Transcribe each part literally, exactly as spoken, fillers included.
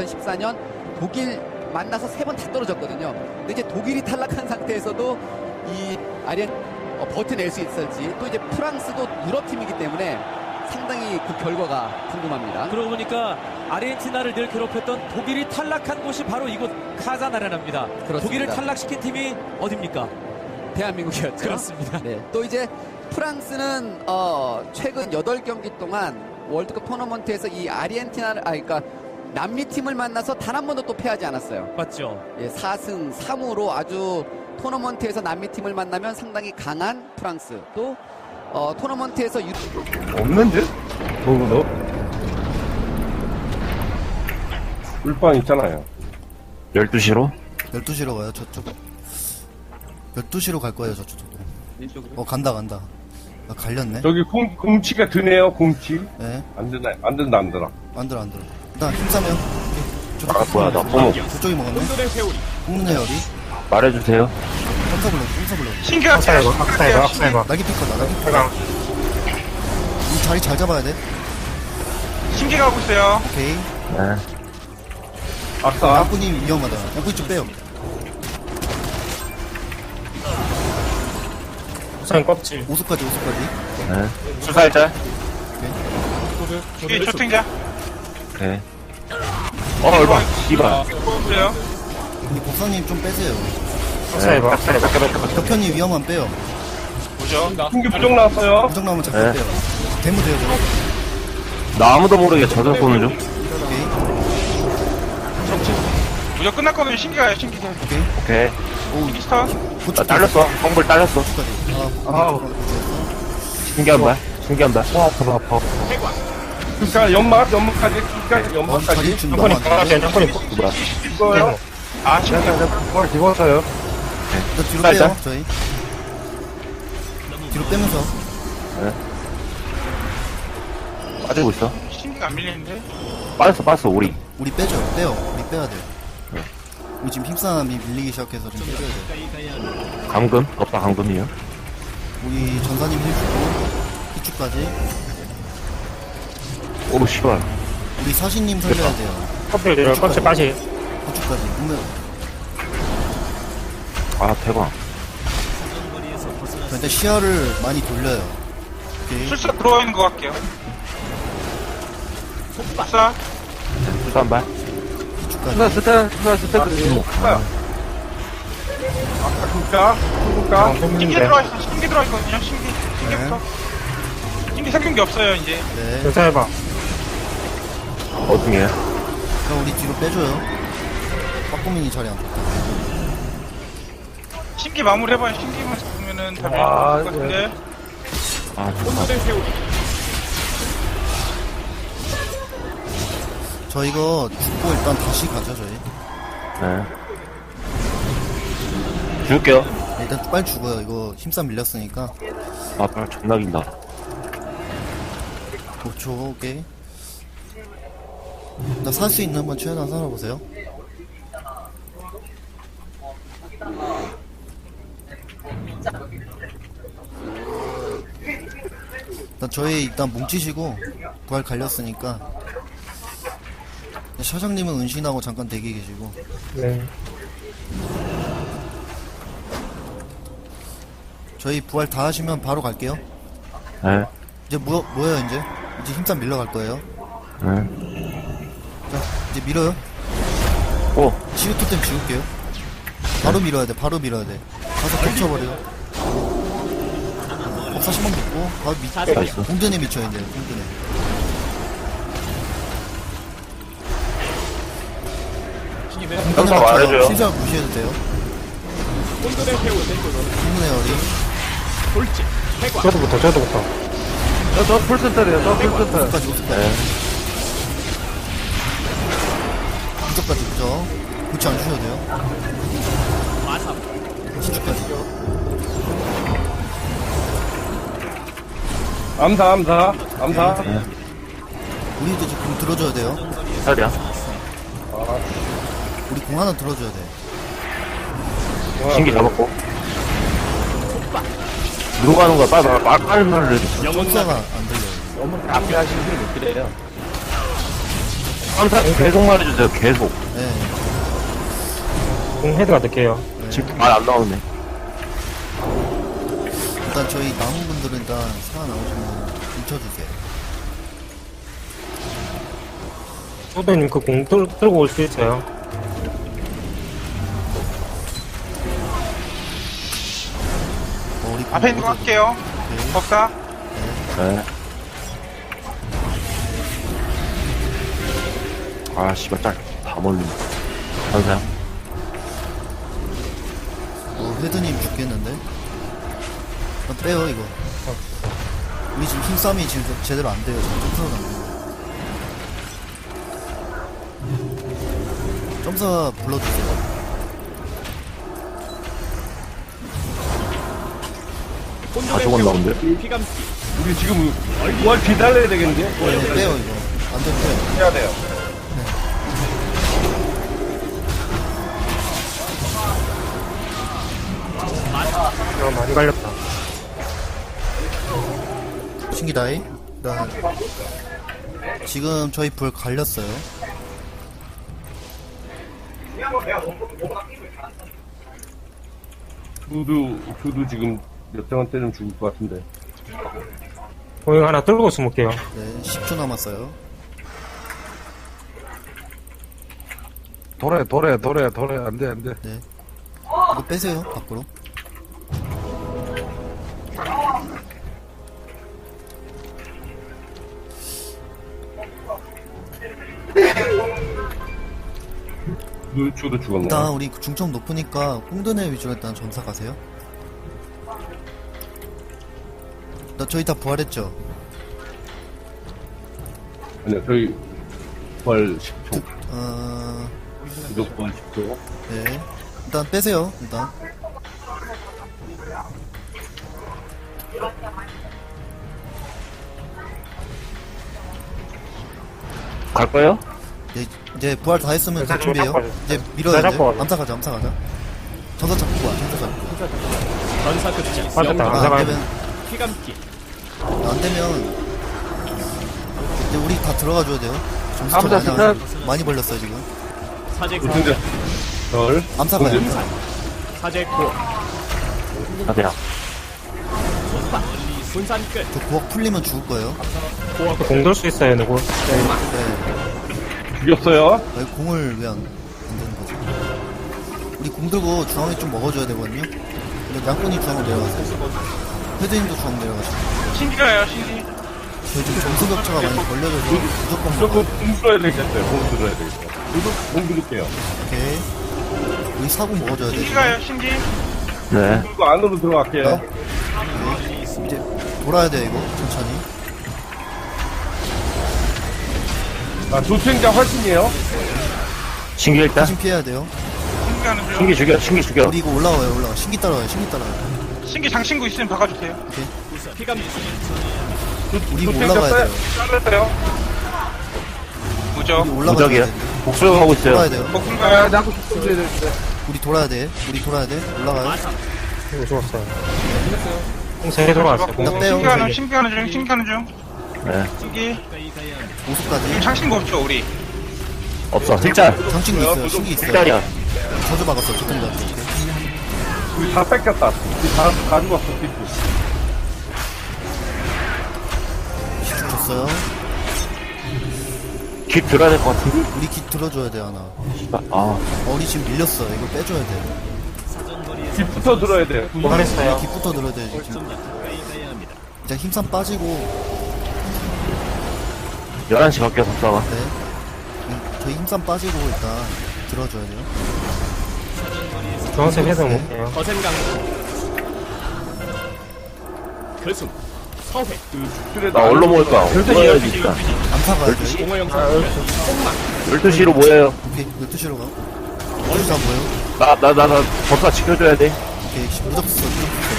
이천십사 년 독일 만나서 세 번 다 떨어졌거든요. 근데 이제 독일이 탈락한 상태에서도 이 아리엔 어, 버텨낼 수 있을지, 또 이제 프랑스도 유럽 팀이기 때문에 상당히 그 결과가 궁금합니다. 그러고 보니까 아르헨티나를 늘 괴롭혔던 독일이 탈락한 곳이 바로 이곳 카잔 아레나입니다. 그렇습니다. 독일을 탈락시킨 팀이 어딥니까? 대한민국이었죠. 그렇습니다. 네. 또 이제 프랑스는 어, 최근 여덟 경기 동안 월드컵 토너먼트에서 이 아르헨티나를, 아, 그러니까 남미 팀을 만나서 단 한 번도 또 패하지 않았어요. 맞죠? 예, 사 승 삼 무로 아주 토너먼트에서 남미 팀을 만나면 상당히 강한 프랑스, 또 어, 토너먼트에서 유... 없는 듯? 누구도? 꿀빵 있잖아요. 열두 시로? 열두 시로 가요, 저쪽. 열두 시로 갈 거예요, 저쪽도. 어, 간다, 간다. 아, 갈렸네. 저기 공, 공치가 드네요, 공치. 네. 안 드네, 안 든다, 안 들어. 안 들어, 안 들어. 일단 힘싸면. 아, 뭐야, 나 포목. 저쪽이 먹었네. 홍문의 열이. 말해주세요. 깜사블럭, 깜사블럭. 신기하게 학살해봐, 학살해봐, 학살해봐. 날개 피커다, 날개 피커. 이 자리 잘 잡아야 돼. 신기 가고 있어요. 오케이. 네. 아싸. 양꾼이 위험하다. 양꾼이 좀 빼요. 우선 껍질. 오수까지, 오수까지. 네. 수살자? 뒤에 초탱자. 오케이. 어, 얼마? 씨발. 보세요. 근데 복사님 좀 빼세요. 학살해봐. 학살해봐. 학살해봐. 격현이 위험한 빼요. 보죠. 신기 부정 나왔어요. 부정 나오면 잠깐 네. 빼요. 대무 돼요, 저거. 나 아무도 모르게 저격 쏘는 중. 오케이. 무적 끝났거든요. 신기가요, 신기. 오케이. 오케이. 신기 스턴. 나 고추 딸렸어. 콩불 딸렸어. 고추까지. 아, 아우. 신기한 말. 신기한 말. 와, 아파, 아파. 그니까 연막, 연막까지, 그니까 어, 연막까지. 자리 준 너무 안 돼. 뭐야. 이거요. 아, 신기. 뭘 집었어요. 저 뒤로 살짝. 빼요, 저희. 뒤로 빼면서. 빠지고 있어. 신기가 안 밀리는데? 빠졌어, 빠졌어, 우리. 우리 빼죠. 빼요. 우리 빼야 돼. 우리 지금 힘싸움이 밀리기 시작해서 좀 빼줘야 돼. 감금? 없다, 감금이요. 우리 전사님 힐주고 희축까지. 오, 씨발. 우리 사신님 살려야 돼요. 껍질 내려, 껍질 빠지. 희축까지. 분명 아, 대박. 일단 시야를 많이 돌려요. 오케이. 술사 들어와 있는 것 같게요. 술사. 수산 발. 희축까지. 스탄, 수산, 스탄. 아까 그니까, 그니까. 신기 들어와 있어. 신기 들어와 있거든요. 신기. 신기부터. 신기 생긴 게 없어요, 이제. 네. 괜찮아봐. 어중이야. 그럼 우리 뒤로 빼줘요. 빠꾸민이 자리 안 좋다. 신기 마무리 해봐요. 신기만 잡으면은 다 밀릴 아, 것 같은데. 아, 좋다. 저 이거 죽고 일단 다시 가죠, 저희. 네. 줄게요. 네, 일단 빨리 죽어요. 이거 힘싸움 밀렸으니까. 아, 빨리 존나 긴다. 오 초, 오케이. 나 살 수 있는 건 최대한 살아보세요. 일단 저희 일단 뭉치시고 부활 갈렸으니까 사장님은 은신하고 잠깐 대기 계시고. 네. 저희 부활 다 하시면 바로 갈게요. 네. 이제 뭐, 뭐예요 이제? 이제 힘싸움 밀러 갈 거예요. 네. 자 이제 밀어요. 오, 치유 토템 지울게요. 바로 밀어야 돼, 바로 밀어야 돼. 가서 겹쳐버려. 법사 신망 듣고, 바로 밑, 나이스. 공전에 미쳐, 이제, 공전에. 항상 말해줘요. 신사를 무시해도 돼요. 공문의 어리. 저도부터, 저도부터. 저, 저 풀센터래요, 저 풀센터. 오수까지, 오수까지. 네. 무적까지, 무적. 고치 안 주셔도 돼요. 신주까지. 암사, 암사, 암사. 네. 우리도 이제 공 들어줘야 돼요. 살이야. 우리 공 하나 들어줘야 돼. 신기 잡았고. 누가 하는 거야? 빨리 말, 말, 빨리 말을 해줘. 점사가 안 들려요. 앞에 하시는 게 그래요. 항상 계속 말해주세요, 계속. 네. 공 헤드가 될게요. 지금 말 안 나오네. 일단 저희 남은 분들은 일단 살아나오시면 뭉쳐주세요. 소대님 그 공 들고 올 수 있어요. 어, 우리 앞에 있는 거 할게요. 법사. 네. 아, 씨발, 짤. 다 멀리. 항상. 어, 헤드님 죽겠는데? 아, 빼요, 이거. 우리 지금 힘싸움이 지금 제- 제대로 안 돼요. 지금 점수가 안 돼요. 점사 불러주세요. 다 죽었나 본데? 우리 지금 뭘 기다려야 되겠는데? 네, 빼요, 이거. 안 되면 빼요. 해야 돼요. 어, 많이 갈렸다. 신기다이. 일단 지금 저희 불 갈렸어요. 두두, 두두 지금 몇 장은 때리면 죽을 것 같은데. 공영 하나 들고 숨을게요. 네, 십 초 남았어요. 도래, 도래, 도래, 도래. 안 돼, 안 돼. 이거 빼세요, 밖으로. 두두, 두두 죽었네. 일단 우리 중점 높으니까 꽁드네 위주로 일단 점사 가세요. 나 저희 다 부활했죠? 아니요, 저희 부활 십 초. 어... 두두 부활 십 초. 네. 일단 빼세요, 일단. 갈 거예요? 네, 이제 부활 다 했으면 다 나 준비해요. 잡고 이제 밀어야 돼. 잡고 가자. 암사 가자, 암사 가자. 전사 잡고 와, 전사 잡고. 빠졌다. 아, 안 감사가 되면. 안 되면. 이제 우리 다 들어가 줘야 돼요. 점수 암사 많이, 안- 스탑. 많이 벌렸어요, 지금. 근데 절. 암사 가요. 아, 그냥. 저 구억 풀리면 죽을 거예요. 공 들 수 있어요, 누구? 네. 죽였어요. 아니, 공을 왜 안, 안 되는 거지? 우리 공 들고 중앙에 좀 먹어줘야 되거든요? 근데 양꾼이 중앙으로 내려가세요. 헤드님도 중앙 내려가시고. 신기가요, 신기. 저희 지금 점수 격차가 많이 벌려져서 무조건 무조건 먹어요. 공 들어야 되겠어요. 공 들어야 되겠어요. 두두, 공 들을게요. 오케이. 우리 사고 먹어줘야 돼. 지금. 신기가요, 신기. 네. 그리고 안으로 들어갈게요. 네. 이제 돌아야 돼, 이거. 천천히. 아, 조생자 훨씬이에요. 신기 일단. 대신 피해야 돼요. 신기하는 중. 신기 죽여, 신기 죽여. 우리 이거 올라와요, 올라와. 신기 따라와요, 신기 따라와요. 신기 장신구 있으면 박아주세요. 우리 이거 올라가야 돼요. 잘랐어요. 무적. 우리 올라가야 무적이야. 돼. 복수하고 돌아야 있어요. 돼요. 아, 복군가요? 나도 죽어야 되는데. 우리 돌아야 돼. 우리 돌아야 돼. 올라가요. 이거 죽었어요. 공 세 개 들어왔어요. 공 나 빼요. 신기하는, 세 개. 신기하는 중, 신기하는 중. 네. 신기. 오수까지. 지금 장신구 없죠, 우리. 없어. 힐짤. 장친구 있어요. 신기 있어요. 힐짤이야. 저주 막았어. 저통자. 우리 다 뺏겼다. 우리 다, 다 죽었어, 피프. 시축 줬어요. 깃 들어야 될 것 같은데? 우리 깃 들어줘야 돼, 하나. 씨발. 아. 어, 우리 지금 밀렸어. 이거 빼줘야 돼. 깃부터 들어야 돼요. 보관했어요. 깃부터 들어야 돼, 지금. 이제 힘싸 빠지고, 열한 시 갈게요, 법사가. 네. 음, 저희 힘싸 빠지고 일단 들어줘야 돼요. 중앙색 헤드 먹게요. 나 얼로 모을 거야. 모여야지, 일단. 암사 가야 돼. 열두 시로 모여요. 오케이, 열두 시로 가. 열두 시 안 보여? 나, 나, 나, 나, 법사 지켜줘야 돼. 오케이, 무적 써, 무적 써.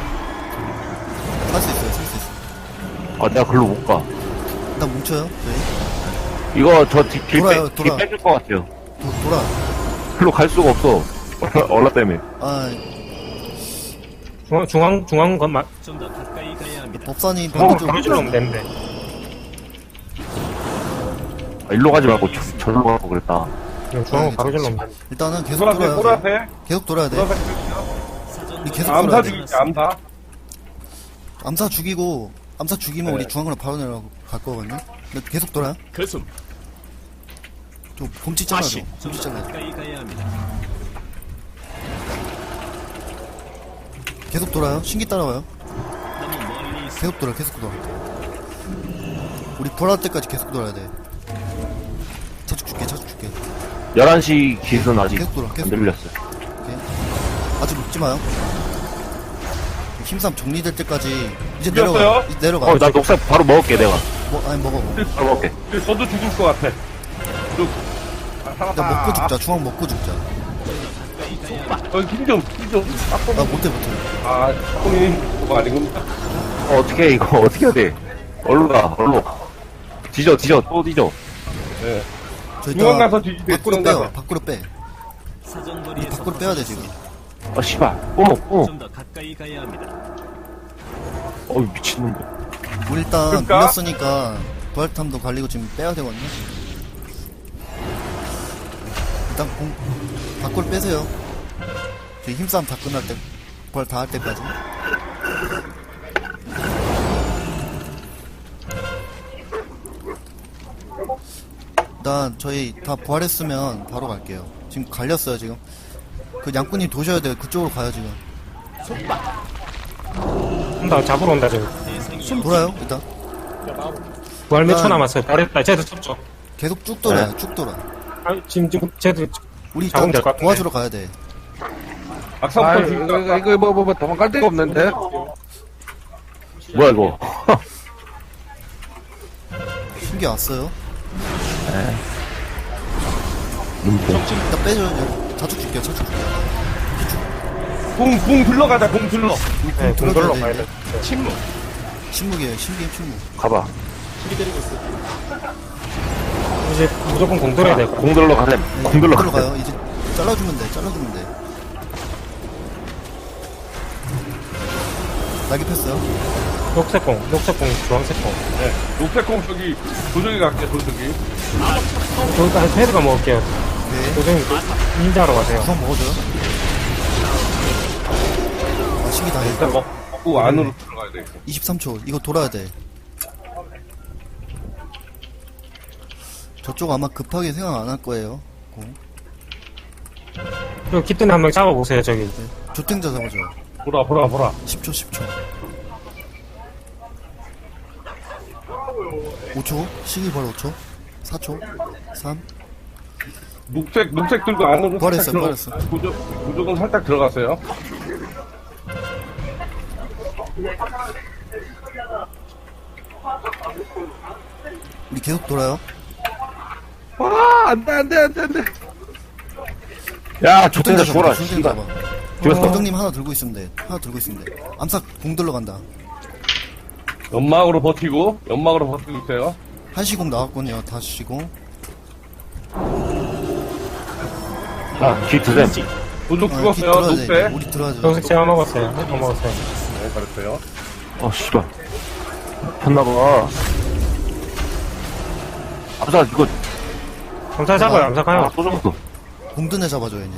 살 수 있어요, 살 수 있어. 아, 내가 글로 못 가. 일단 뭉쳐요, 저희. 이거 저 뒤, 길, 돌아요, 빼, 돌아. 길 빼줄 것 같아요. 도, 돌아. 글로 갈 수가 없어. 얼라 때문에. 아, 중앙, 중앙, 중앙 건 마, 법사님 중앙 반대쪽 바로 질러면 되는데. 아, 일로 가지 말고 저, 저로 가고 그랬다. 그냥 중앙으로 바로 질러면 돼. 일단은 계속 보라색, 돌아야 돼. 보라색. 계속 돌아야 돼. 보라색. 우리 계속 돌아야 암사 돼. 죽일게, 암사. 암사 죽이고 암사 죽이면 네. 우리 중앙으로 바로 내려갈 거거든요. 근데 계속 돌아요. 그숨 저 곰치 잘라줘. 곰치 잘라줘. 가까이 가야 합니다. 계속 돌아요. 신기 따라와요. 너무 멀리 있어. 계속 돌아. 계속 돌아. 우리 보라 때까지 계속 돌아야 돼. 차축 줄게. 차축 줄게. 열한 시 기준 아직 계속 돌아. 안 계속 돌아. 들렸어요. 오케이. 아직 먹지 마요. 힘싸움 정리될 때까지 이제 죽였어요? 내려가. 이제 내려가. 어, 나 녹색 바로 먹을게, 내가. 뭐, 아니 먹어. 먹어. 바로 먹을게. 저도 죽을 것 같아. 죽. 아, 야 살았다. 먹고 죽자. 중앙 먹고 죽자. 어, 힘 좀, 힘 좀. 아 못해 못해. 아, 형이 그거 아니군요. 어, 어떻게, 해, 이거, 어떻게 해야 돼? 얼로 가, 얼로. 뒤져, 뒤져, 또 뒤져. 네. 저 중앙 이따 가서 뒤집게, 밖으로 중앙 빼요. 가서. 밖으로 빼. 우리 사정거리에서 밖으로 빼야 돼 지금. 아, 씨발. 꼬모, 꼬모. 좀 더 가까이 가야 합니다. 어이, 미친놈들. 우리 일단 그러니까? 밀렸으니까 부활탐도 갈리고 지금 빼야 되거든요. 일단 공 밖으로 빼세요. 저희 힘싸움 다 끝날 때 부활 다 할 때까지. 일단 저희 다 부활했으면 바로 갈게요. 지금 갈렸어요 지금. 그 양꾼님 도셔야 돼요. 그쪽으로 가요 지금. 온다, 잡으러 온다, 지금. 돌아요 일단. 부활 몇 초 난- 남았어요. 잘했다. 쟤들 쳤죠. 계속 쭉 돌아요. 쭉 돌아. 아, 지금, 지금, 쟤들, 우리 잡으면 일단 될것 같은데. 도와주러 가야 돼. 악사부터 죽일까? 이거 뭐 뭐 뭐 도망갈 데가 없는데. 뭐야, 이거. 신기 왔어요. 눈뽕. 일단 빼줘요. 자축 줄게요. 자축 줄게요. 공, 공 둘러가자, 공 둘러. 네, 들어가야 공돌로 돼, 가야 이제. 돼. 침묵. 침묵이에요. 신기해 침묵. 가봐. 이제 무조건 공돌해야 돼. 공들러 가셈. 네, 공들러 가셈. 들어가요. 이제 잘라주면 돼. 잘라주면 돼. 날개 폈어요. 녹색공, 녹색공, 주황색공. 네. 녹색 공 저기, 도적이 갈게, 도적이. 저기다 헤드가 먹을게요. 네. 도전이 닌자로 가세요. 구성 먹어줘요. 아, 신기 다 일단 했고. 먹, 먹고 안으로 들어가야 돼. 이십삼 초. 이거 돌아야 돼. 저쪽 아마 급하게 생각 안 할 거예요. 공. 그리고 기뜬 한 명 잡아보세요, 저기. 조탱자 잡아줘. 보라, 보라, 보라. 십 초, 십 초. 오 초. 시기 바로 오 초. 사 초. 삼. 녹색, 녹색 들고 안으로 버렸어, 살짝 버렸어. 들어가. 도적, 도적은 살짝 들어갔어요. 우리 계속 돌아요. 와, 안 돼, 안 돼, 안 돼, 안 돼. 야, 조탱자 조탱자 죽어라, 잡아. 조탱자 씨발. 잡아. 죽였어. 도정님 하나 들고 있으면 돼. 하나 들고 있으면 돼. 암사 공 들러간다. 연막으로 버티고, 연막으로 버티고 있어요. 한시공 나왔군요. 다시 공. 자, 뒤 드셈. 도적 아, 죽었어요, 들어야 돼. 녹색. 우리 들어야죠. 녹색 제가 먹었어요. 헤드 먹었어요. 네, 잘했어요. 어, 씨발. 폈나봐. 아자, 이거. 암사 잡아요, 암사 아, 가요. 또 잡았어. 공든에 잡아줘요 이제.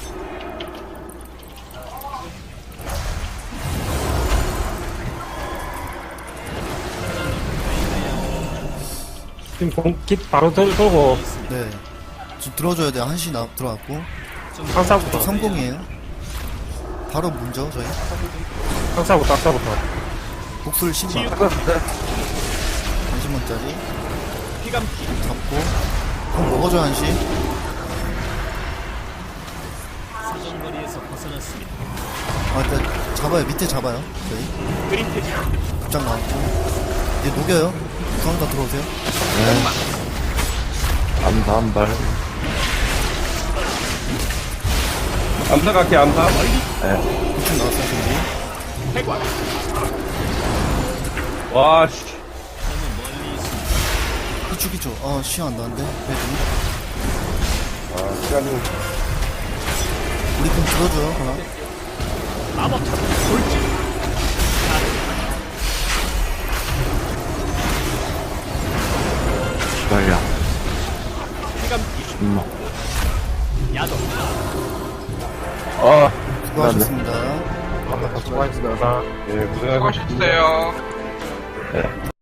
지금 공깃 바로 들, 돌고, 네. 지금 들어줘야 돼. 한시 나 들어갔고. 항사부터, 삼 공이에요. 바로 문죠 저희. 항사부터, 항사부터. 복술 십만. 한십만짜리. 잡고. 공 먹어줘 한시. 사정거리에서 벗어났습니다. 아 일단 잡아요. 밑에 잡아요. 저희. 그림트 급장 나왔고. 이제 녹여요. 중앙 다 들어오세요. 암사 한 발. 암사 갈게, 암사. 구층 나왔어요. 준비. 해관. 와, 씨. 기초 기초. 아 시야 안 나는데. 배드니. 아, 시간이. 우리 공 들어줘요. 하나. 마법 탑 돌진. 씨발야. 빨간 음. 야동. 아, 수고하셨습니다. 수고하셨습니다. 예, 고생하셨습니다. 수고하셨어요. 네.